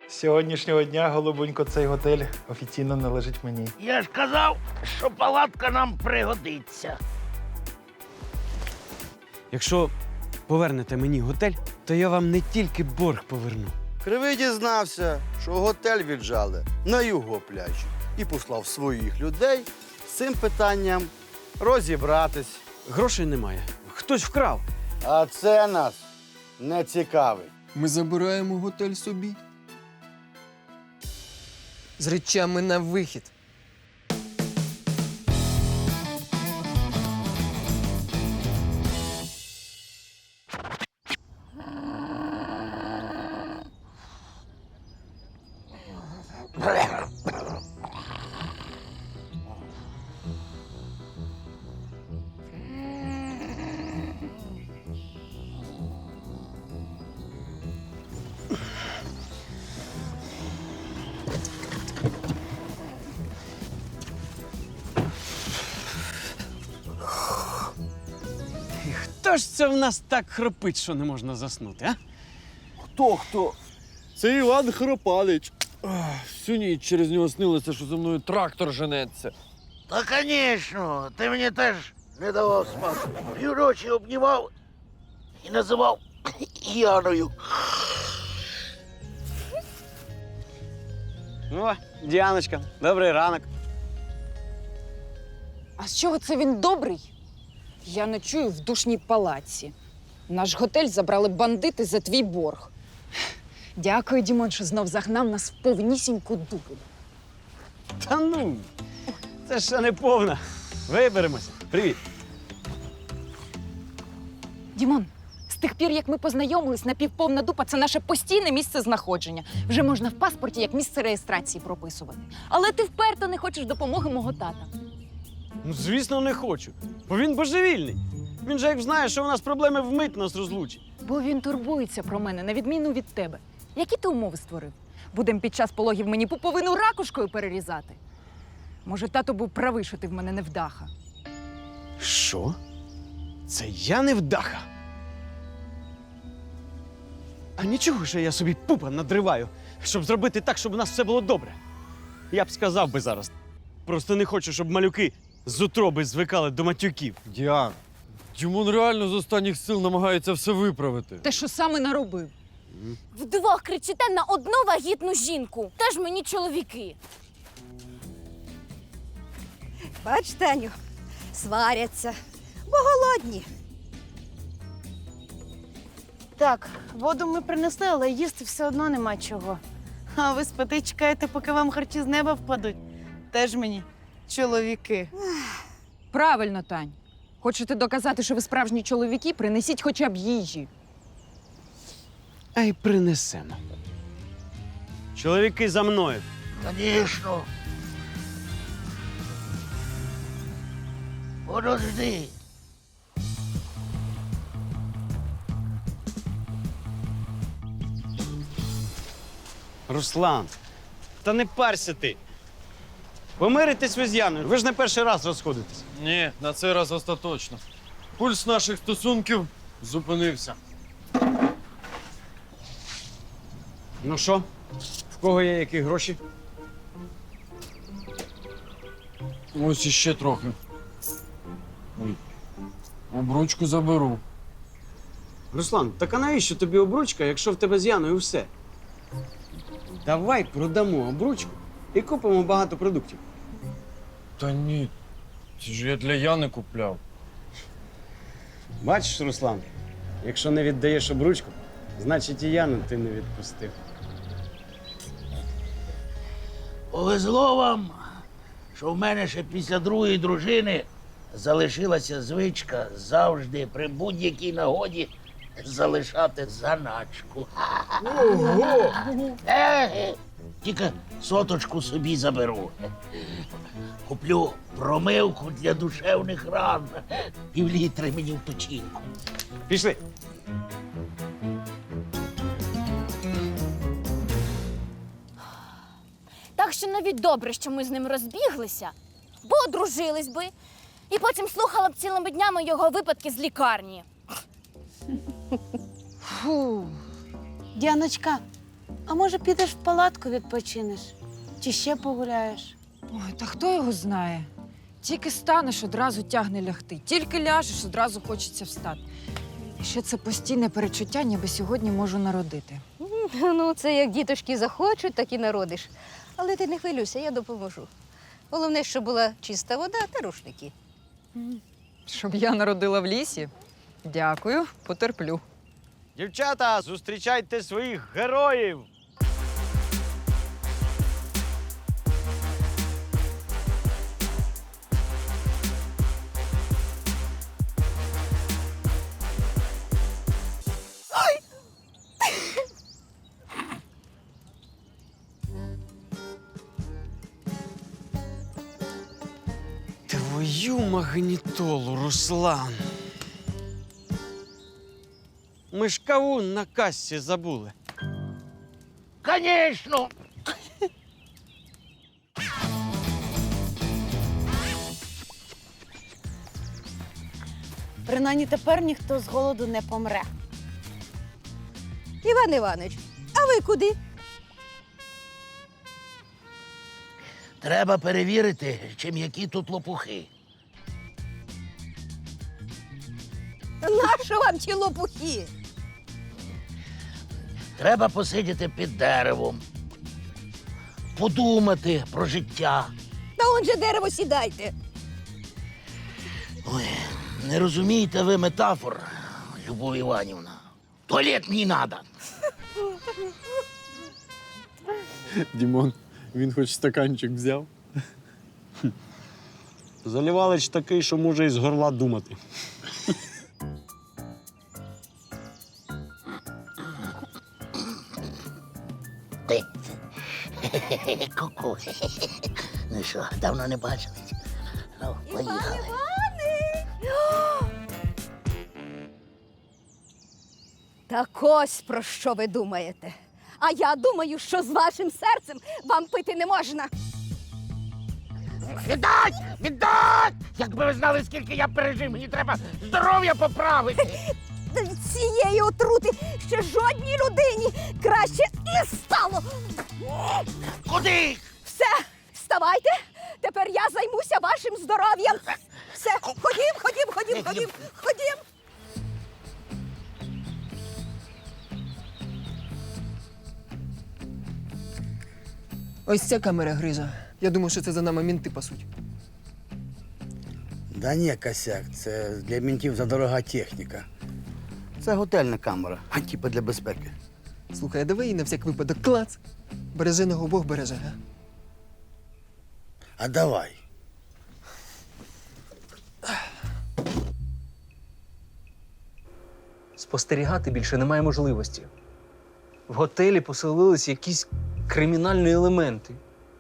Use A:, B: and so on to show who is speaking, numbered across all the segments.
A: З сьогоднішнього дня, голубонько, цей готель офіційно належить мені.
B: Я ж казав, що палатка нам пригодиться.
C: Якщо повернете мені готель, то я вам не тільки борг поверну.
D: Кривий дізнався, що готель віджали на його пляжі і послав своїх людей з цим питанням розібратись.
C: Грошей немає. Хтось вкрав.
D: А це нас не цікавить.
E: Ми забираємо готель собі. З речами на вихід.
C: Хто ж це в нас так хропить, що не можна заснути, а?
F: Хто? Це Іван Хропалич. Всю ніч через нього снилося, що за мною трактор женеться.
B: Та, звісно, ти мені теж не давав спати. Півночі обнімав і називав Яною.
C: О, Діаночка, добрий ранок.
G: А з чого це він добрий? Я ночую в душній палаці. Наш готель забрали бандити за твій борг. Дякую, Дімон, що знов загнав нас в повнісіньку дуру.
C: Та ну, це ще не повна. Виберемося. Привіт.
G: Дімон, з тих пір, як ми познайомились, напівповна дупа – це наше постійне місце знаходження. Вже можна в паспорті як місце реєстрації прописувати. Але ти вперто не хочеш допомоги мого тата.
C: Ну, звісно, не хочу. Бо він божевільний. Він же як знає, що у нас проблеми, вмить нас розлучить.
G: Бо він турбується про мене, на відміну від тебе. Які ти умови створив? Будем під час пологів мені пуповину ракушкою перерізати? Може, тато був правий, що ти в мене невдаха?
C: Що? Це я невдаха? А нічого, що я собі пупа надриваю, щоб зробити так, щоб у нас все було добре. Я б сказав би зараз. Просто не хочу, щоб малюки з утроби звикали до матюків.
F: Діан, Дімон реально з останніх сил намагається все виправити.
G: Те, що саме наробив.
H: Вдвох кричите на одну вагітну жінку. Теж мені чоловіки.
I: Бач, Таню, сваряться, бо голодні.
J: Так, воду ми принесли, але їсти все одно нема чого. А ви спите і чекаєте, поки вам харчі з неба впадуть. Теж мені чоловіки.
G: Правильно, Тань. Хочете доказати, що ви справжні чоловіки, принесіть хоча б їжі.
C: А й принесемо. Чоловіки за мною.
B: Звісно. Подожди.
C: Руслан, та не парся ти. Помиритесь ви з Яною. Ви ж не перший раз розходитесь.
F: Ні, на цей раз остаточно. Пульс наших стосунків зупинився.
C: Ну що, в кого є які гроші?
F: Ось іще трохи. Ой. Обручку заберу.
C: Руслан, так а навіщо тобі обручка, якщо в тебе з Яною все? Давай продамо обручку і купимо багато продуктів.
F: Та ні, це ж я для Яни купляв.
C: Бачиш, Руслан, якщо не віддаєш обручку, значить і Яну ти не відпустив.
B: Повезло вам, що в мене ще після другої дружини залишилася звичка завжди при будь-якій нагоді залишати заначку. Ого! Тільки соточку собі заберу. Куплю промивку для душевних ран. Півлітри мені в печінку.
C: Пішли.
H: Так що навіть добре, що ми з ним розбіглися, бо одружились би. І потім слухала б цілими днями його випадки з лікарні.
J: Фу. Діаночка, А може, підеш в палатку відпочинеш? Чи ще погуляєш?
G: Ой, та хто його знає? Тільки станеш, одразу тягне лягти. Тільки ляжеш, одразу хочеться встати. І ще це постійне перечуття, ніби сьогодні можу народити.
I: Ну, це як діточки захочуть, так і народиш. Але ти не хвилюйся, я допоможу. Головне, щоб була чиста вода та рушники.
G: Щоб я народила в лісі? Дякую, потерплю.
C: Дівчата, зустрічайте своїх героїв! Твою магнітолу, Руслан. Ми ж кавун на кассі забули.
B: Конечно!
J: Принаймні тепер ніхто з голоду не помре.
I: Іван Іванович, а ви куди?
B: Треба перевірити, чи м'які тут лопухи.
I: Нащо вам ті лопухи?
B: Треба посидіти під деревом, подумати про життя.
I: Та он же дерево сідайте.
B: Ой, не розумієте ви метафор, Любов Іванівна. Туалет мені надо.
F: Дімон, він хоч стаканчик взяв.
C: Залівалич такий, що може із горла думати.
B: Ти. Ку-ку. Ну що, давно не бачились? Ну, поїхали.
I: Так ось про що ви думаєте. А я думаю, що з вашим серцем вам пити не можна.
B: Віддать! Віддать! Якби ви знали, скільки я пережив, мені треба здоров'я поправити.
I: Від цієї отрути ще жодній людині краще не стало.
B: Куди?
I: Все, вставайте. Тепер я займуся вашим здоров'ям. Все, ходім.
E: Ось ця камера грижа. Я думаю, що це за нами мінти пасуть.
D: Да ні, косяк, це для мінтів задорога техніка. Це готельна камера, а типа для безпеки.
E: Слухай, а давай її на всяк випадок клац. Береженого Бог береже, га?
D: А давай.
K: Спостерігати більше немає можливості. В готелі поселились якісь кримінальні елементи.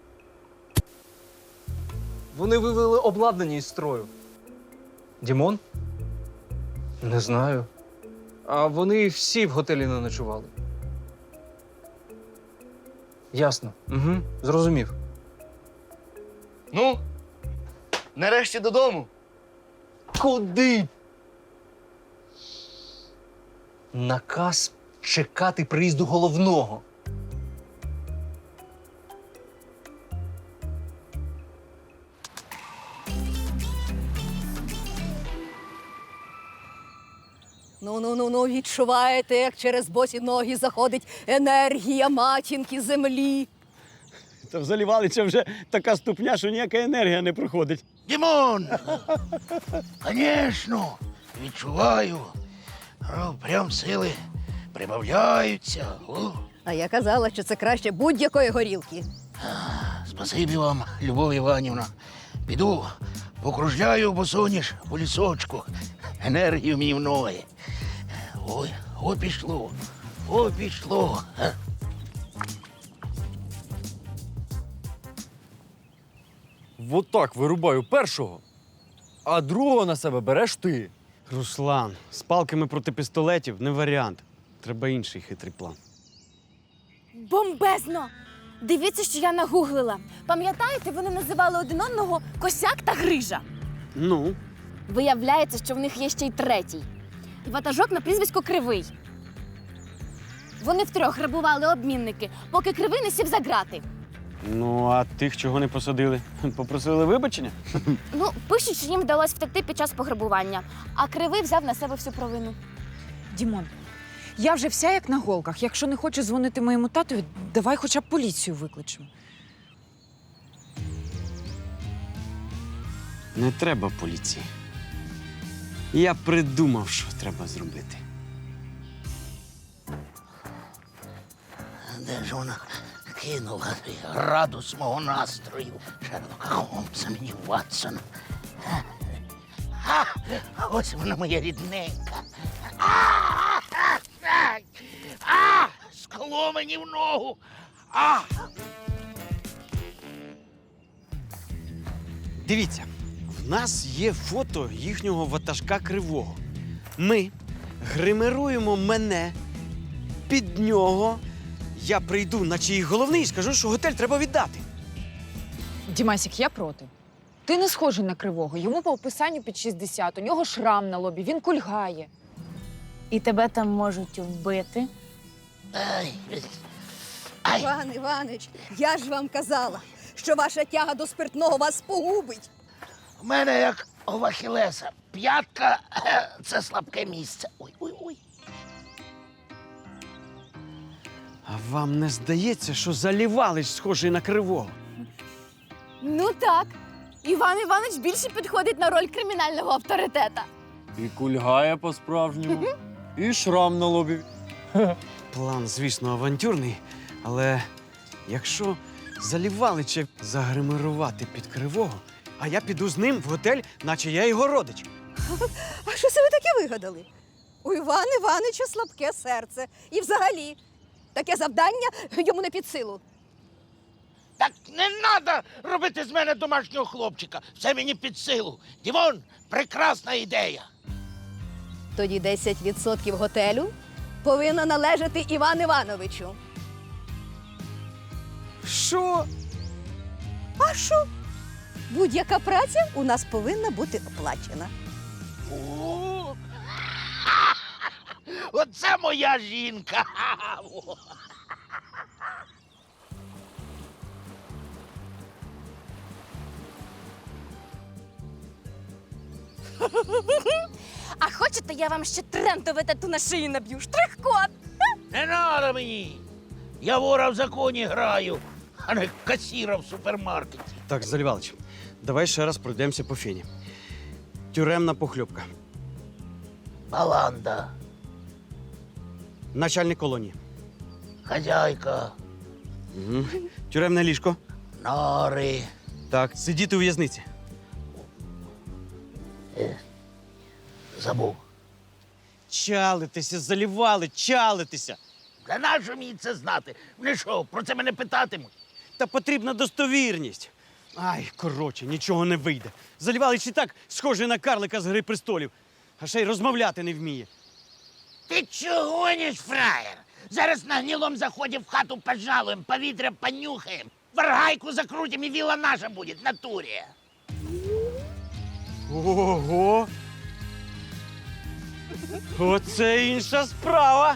K: Вони вивели обладнання із строю. Дімон? Не знаю. А вони всі в готелі не ночували. Ясно. Угу. Зрозумів.
F: Ну, нарешті додому.
K: Куди? Наказ чекати приїзду головного.
I: Ну, відчуваєте, як через босі ноги заходить енергія матінки землі.
C: Та в Залівалича вже така ступня, що ніяка енергія не проходить.
B: Дімон! Конечно, відчуваю. Прям сили прибавляються. О,
I: А я казала, що це краще будь-якої горілки.
B: спасибі вам, Любов Іванівна. Піду, покружляю босоніж по лісочку. Енергію мені в ноги. Ой, пішло.
F: Вот так вирубаю першого, а другого на себе береш ти.
C: Руслан, з палками проти пістолетів не варіант. Треба інший хитрий план.
H: Бомбезно! Дивіться, що я нагуглила. Пам'ятаєте, вони називали один одного Косяк та Грижа.
C: Ну,
H: Виявляється, що в них є ще й третій. Ватажок на прізвисько Кривий. Вони втрьох грабували обмінники, поки Кривий не сів за грати.
C: Ну, а тих, чого не посадили, попросили вибачення?
H: Ну, пишуть, що їм вдалося втекти під час пограбування, а Кривий взяв на себе всю провину.
G: Дімон, я вже вся як на голках. Якщо не хочеш дзвонити моєму татові, давай хоча б поліцію викличемо.
C: Не треба поліції. Я придумав, що треба зробити.
B: Де ж вона кинула градус мого настрою? Шерлока Холмса мені Ватсон. А ось вона моя рідненька. Скло мені в ногу.
C: Дивіться, в нас є фото їхнього ватажка Кривого. Ми гримируємо мене під нього. Я прийду, наче їх головний, і скажу, що готель треба віддати.
G: Дімасік, я проти. Ти не схожий на Кривого. Йому по описанню під 60, у нього шрам на лобі, він кульгає.
J: І тебе там можуть вбити.
I: Іван Іванович, я ж вам казала, що ваша тяга до спиртного вас погубить.
B: У мене як у Ахілеса. П'ятка – це слабке місце. Ой.
C: А вам не здається, що Залівалич схожий на Кривого?
H: Ну так. Іван Іванович більше підходить на роль кримінального авторитета.
F: І кульгає по-справжньому, і шрам на лобі.
C: План, звісно, авантюрний, але якщо Залівалича загримирувати під Кривого, а я піду з ним в готель, наче я його родич.
I: А що це ви таке вигадали? У Івана Івановича слабке серце. І взагалі, таке завдання йому не під силу.
B: Так не треба робити з мене домашнього хлопчика. Все мені під силу. Дімон, прекрасна ідея.
I: Тоді 10% готелю повинно належати Івану Івановичу.
C: Що?
I: А що? Будь-яка праця у нас повинна бути оплачена.
B: О, оце моя жінка.
H: А хочете, я вам ще трендове тату на шиї наб'ю? Штрих-код!
B: Не треба мені. Я вора в законі граю, а не касіра в супермаркеті.
C: Так, Залівалич, давай ще раз пройдемося по фені. Тюремна похльопка.
B: Баланда,
C: Начальник колонії.
B: хазяйка,
C: Угу. Тюремне ліжко.
B: нори.
C: Так, сидіти у в'язниці.
B: Забув.
C: Чалитися, Залівалич, чалитися.
B: Та нащо мені це знати? Вони що, про це мене питатимуть?
C: Та потрібна достовірність. Ай, коротше, нічого не вийде. Залівалич і так схожий на карлика з «Гри престолів», а ще й розмовляти не вміє.
B: Ти чого гониш, фраєр? Зараз на гнилом заході в хату пожалуємо, повітря понюхаємо, варгайку закрутимо і віла наша буде в натурі.
C: Ого! Оце інша справа.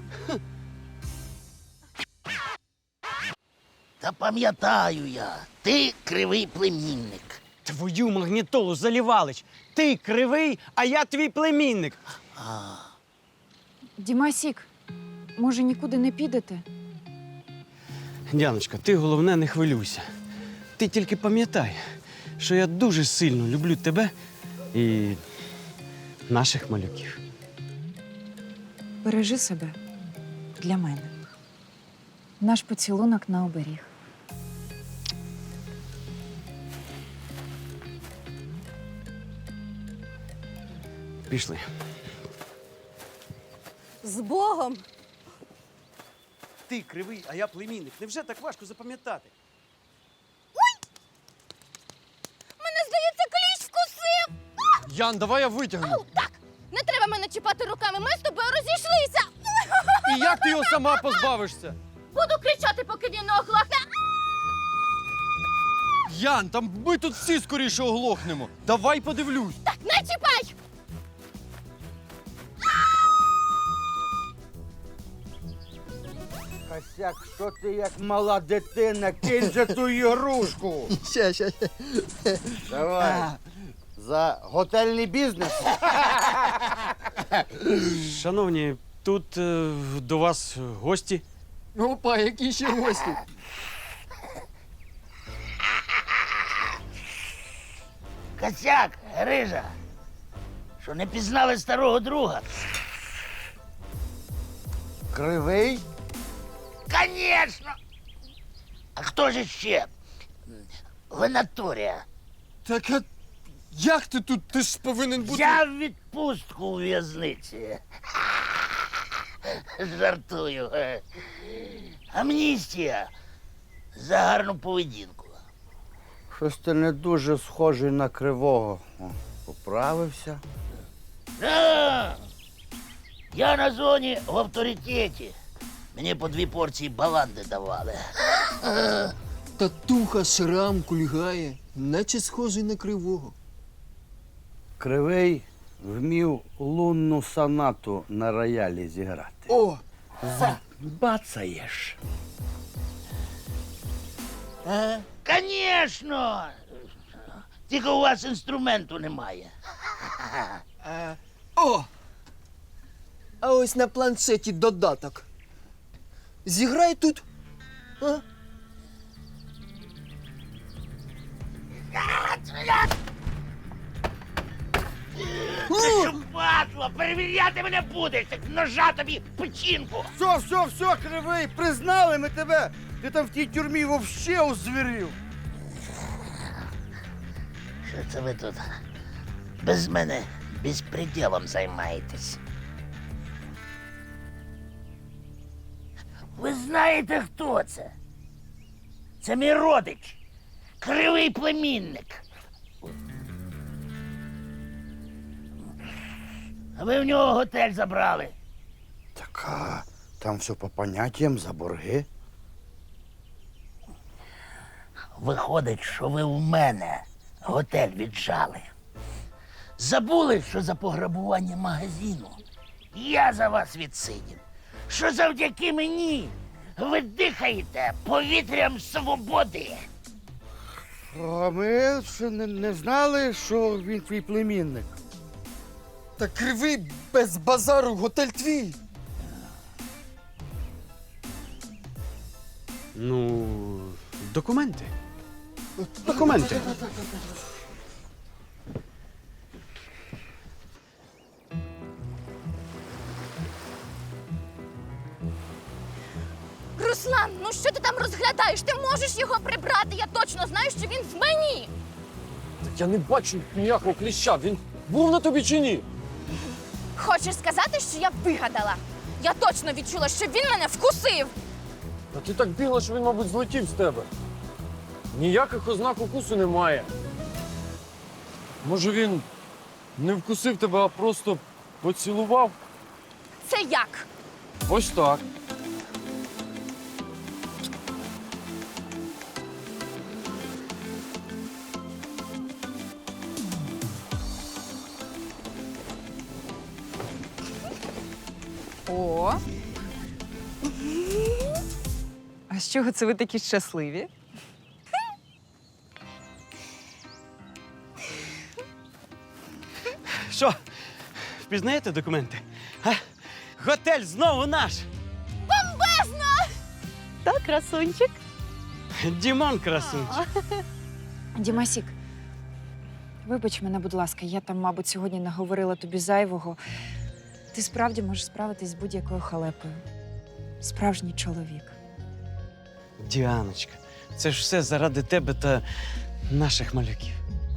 B: Та пам'ятаю я, ти кривий племінник.
C: Твою магнітолу, Залівалич. Ти кривий, а я твій племінник.
G: Дімасік, може, нікуди не підете?
C: Діаночка, ти головне не хвилюйся. Ти тільки пам'ятай, що я дуже сильно люблю тебе і наших малюків.
G: Бережи себе для мене. Наш поцілунок на оберіг.
C: Пішли.
I: З Богом!
C: Ти кривий, а я племінник. Невже так важко запам'ятати?
H: Мене, здається, кліщ вкусив!
F: Ян, давай я витягну.
H: Так, не треба мене чіпати руками, ми з тобою розійшлися!
F: І як ти його сама позбавишся?
H: Буду кричати, поки він не оглохне.
F: Ян, там ми тут всі скоріше оглохнемо. Давай подивлюсь.
H: Так, не чіпай!
D: якщо ти як мала дитина, кинь же ту ігрушку.
E: Ща.
D: Давай. За готельний бізнес.
C: Шановні, тут до вас гості.
E: Опа, які ще гості.
B: Косяк, Грижа, що не пізнали старого друга?
D: Кривий?
B: Конечно! А хто ж ще? Венаторія.
E: Так а як ти тут? Ти ж повинен бути.
B: Я в відпустку у в'язниці. Жартую. Амністія за гарну поведінку.
D: Щось ти не дуже схожий на кривого. О, поправився.
B: Да. Я на зоні в авторитеті. Мені по 2 порції баланди давали.
E: Татуха шрам кульгає, наче схожий на кривого.
D: Кривий вмів лунну сонату на роялі зіграти.
E: О!
D: Бацаєш.
B: Конечно! Тільки у вас інструменту немає.
E: О! А ось на планшеті додаток. Зіграй тут. А?
B: Ти що, падло, перевіряти мене будеш, як ножа тобі в печінку.
D: Все, кривий, признали ми тебе. Ти там в тій тюрмі вовще озвірів.
B: Що це ви тут без мене безпреділом займаєтесь? Ви знаєте, хто це? Це мій родич, кривий племінник. А ви в нього готель забрали.
D: Так, а там все по поняттям за борги.
B: Виходить, що ви в мене готель віджали. Забули, що за пограбування магазину я за вас відсидів. Що завдяки мені ви дихаєте повітрям свободи.
D: А ми ще не знали, що він твій племінник.
E: Та кривий без базару, готель твій.
C: Ну, документи. Документи.
H: Руслан, ну що ти там розглядаєш? Ти можеш його прибрати, я точно знаю, що він в мені.
F: Так я не бачу ніякого кліща. Він був на тобі чи ні?
H: Хочеш сказати, що я вигадала? Я точно відчула, що він мене вкусив.
F: Та ти так бігла, що він, мабуть, злетів з тебе. Ніяких ознак укусу немає. Може, він не вкусив тебе, а просто поцілував?
H: Це як?
F: Ось так.
G: О. А з чого це ви такі щасливі?
C: Що, впізнаєте документи? А? Готель знову наш!
J: Так, красунчик.
C: Дімон красунчик.
G: Дімасік, вибач мене, будь ласка, я там, мабуть, сьогодні наговорила тобі зайвого. Ти справді можеш справитись з будь-якою халепою. Справжній чоловік.
C: Діаночка, це ж все заради тебе та наших малюків.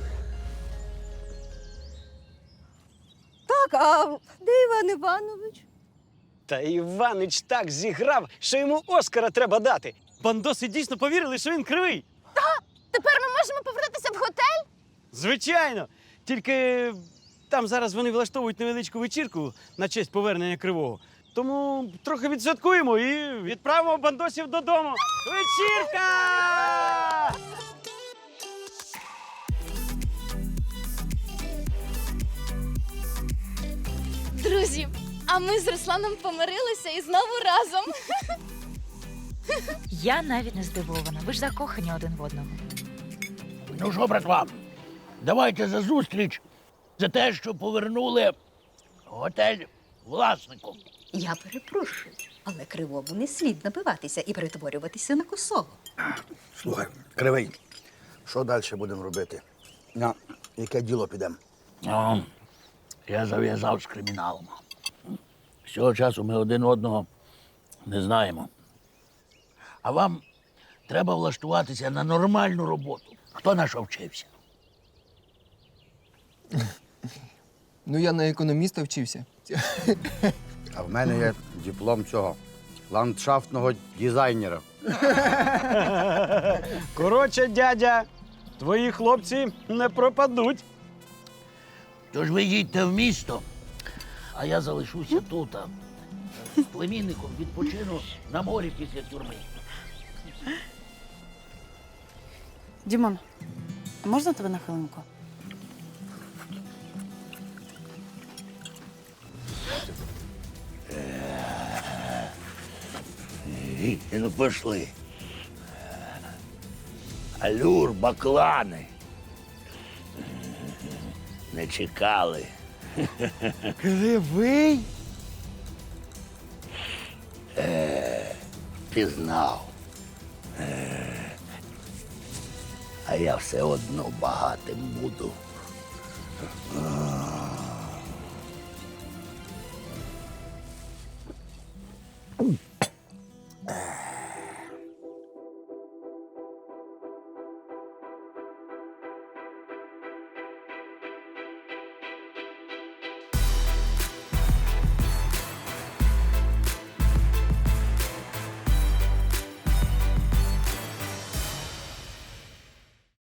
I: Так, а де Іван Іванович?
C: Та Іванич так зіграв, що йому Оскара треба дати. Бандоси дійсно повірили, що він кривий.
H: Тепер ми можемо повернутися в готель?
C: Звичайно. Тільки там зараз вони влаштовують невеличку вечірку на честь повернення кривого. Тому трохи відсвяткуємо і відправимо бандосів додому. Вечірка!
H: Друзі, а ми з Русланом помирилися і знову разом.
L: Я навіть не здивована. Ви ж закохані один в одного.
B: Ну що, братва, давайте за зустріч, за те, що повернули готель власнику.
M: Я перепрошую, але Кривому не слід набиватися і перетворюватися на косого.
D: Слухай, Кривий, що далі будемо робити? На яке діло підемо?
B: Я зав'язав з криміналом. З цього часу ми один одного не знаємо. А вам треба влаштуватися на нормальну роботу. Хто на що вчився?
E: Ну, я на економіста вчився.
D: А в мене є диплом цього ландшафтного дизайнера.
C: Коротше, дядя, твої хлопці не пропадуть.
B: Тож ви їдьте в місто, а я залишуся тут. З племінником відпочину на морі після тюрми.
J: Дімон, а можна тебе на хвилинку?
B: Ну, пошли. Алюр, баклани. Не чекали.
A: Кривий?
B: Пізнав. А я все одно багатим буду.